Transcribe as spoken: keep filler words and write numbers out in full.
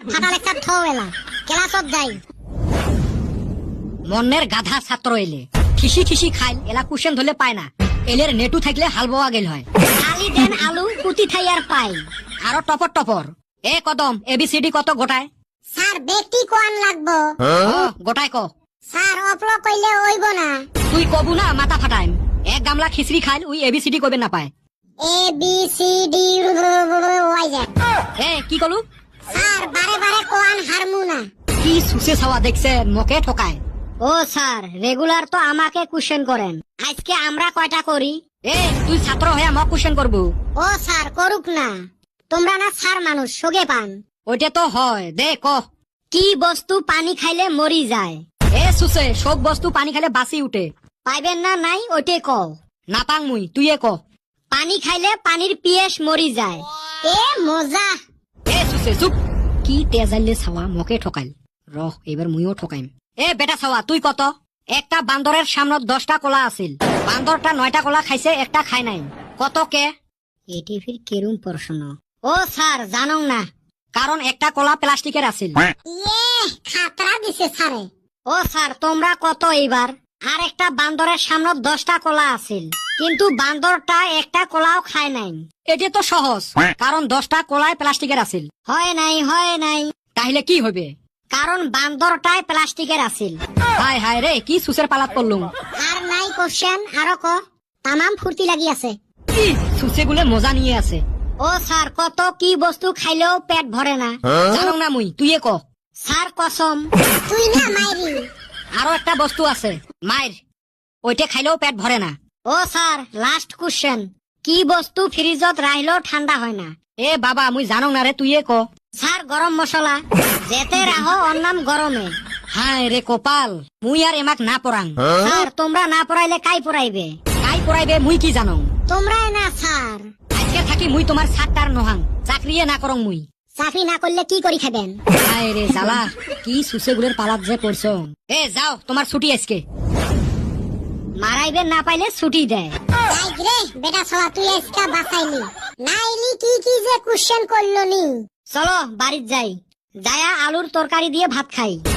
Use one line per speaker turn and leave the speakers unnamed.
ফাটা লেকচার থো এলা ক্লাসত যাই।
মনের গাধা ছাত্র এলে খিসি খিসি খাইল এলা কুশন ধরলে পায় না, এলের নেটু থাকলে হাল বোয়া গেল হয়।
আলি দেন আলু কুতি থাই আর পাই।
আরো টপর টপর এ কদম এবিসিডি কত গোটায়?
স্যার বেটি কোয়ান লাগবো।
ও গোটায় ক।
স্যার অপল কইলে হইব না।
তুই কবু না মাথা ফাটাইম। এক গামলা খিচড়ি খাইল উই এবিসিডি কইবে না পায়।
A B C D Y Z.
এ কি কলু?
স্যার বারে বারে কোয়ান হারমু না।
কি সুসে ছাওয়া দেখছে মকে ঠকায়।
ও স্যার রেগুলার তো আমাকে কোশ্চেন করেন, আজকে আমরা কয়টা করি?
এ তুই ছাত্র হয়ে মক কোশ্চেন করবু?
ও স্যার করুক না, তোমরা না স্যার মানুষ সোগে পান।
ওইটা তো হয়, দে ক।
কি বস্তু পানি খাইলে মরি যায়?
এ সুসে সব বস্তু পানি খাইলে বাসি উঠে।
পাইবেন না নাই ওইটে ক।
নাপাং মুই, তুই এ ক।
পানি খাইলে পানির পিয়েস মরি যায়। এ মজা।
এ সুসে চুপ। কি তেজাইলে ছাওয়া মকে ঠকাইল। রহ এবার মুইও ঠকাইম। এ বেটা ছাওয়া তুই কত? একটা বান্দরের সামনত দশটা কলা আছিল, বান্দরটা নয়টা কলা খাইছে, একটা খাই নাই, কত কে?
এটি ফির কেরুম প্রশ্ন? ও স্যার জানো না,
কারণ একটা কলা প্লাস্টিকের আছিল।
ইয়ে খাতরা দিছে স্যারে। ও স্যার তোমরা কত এইবার? আর একটা বান্দরের সামনে দশটা কলা আছিল, কিন্তু বান্দরটা একটা কলাও খায় নাই।
এটা তো সহজ, কারণ দশটা কলায় প্লাস্টিকের আছিল।
হয় নাই হয় নাই,
তাহলে কি হবে?
কারণ বান্দরটাই প্লাস্টিকের আছিল।
হায় হায় রে কি সুসের পালাত পড়লুম।
আর নাই কোশ্চেন, আরো ক। তামাম ফুর্তি লাগি আছে।
কি সুসে গুলে মজা নিয়ে আছে।
ও স্যার কত কি বস্তু খাইলেও পেট ভরে না?
জানো না মুই, তুই এ ক।
স্যার কসম। তুই না মাইরি।
আরো একটা বস্তু আছে মাইর, ওইটা খাইলেও পেট ভরে না।
ও স্যার লাস্ট কোশ্চেন, কি বস্তু ফ্রিজত রাখলেও ঠান্ডা হয় না?
এ বাবা মুই জানো না রে, তুই এ ক।
স্যার গরম মশলা, যেতে রাহো ওর নাম গরমে।
হায় রে কপাল, মুই আর এমাক না পড়াং।
স্যার তোমরা না পড়াইলে কাই পড়াইবে?
কাই পড়াইবে মুই কি জানো?
তোমরাই না স্যার।
আজকে থাকি মুই তোমার সাতটার নহাং, চাকরিয়ে না করং মুই।
চাকরি না করলে কি করি খাবেন?
হায় রে জ্বালা, কি সুসে গুলের পালাত যে পড়ছ। এ যাও তোমার ছুটি আজকে।
মারাইবে না পাইলে ছুটি দেয়। রে বেটা সবা তুই আজকে বাঁচাইলি, নাইলি কি কি যে কোশ্চেন করলো নি। চলো বাড়িত যাই, যায়া আলুর তরকারি দিয়ে ভাত খাই।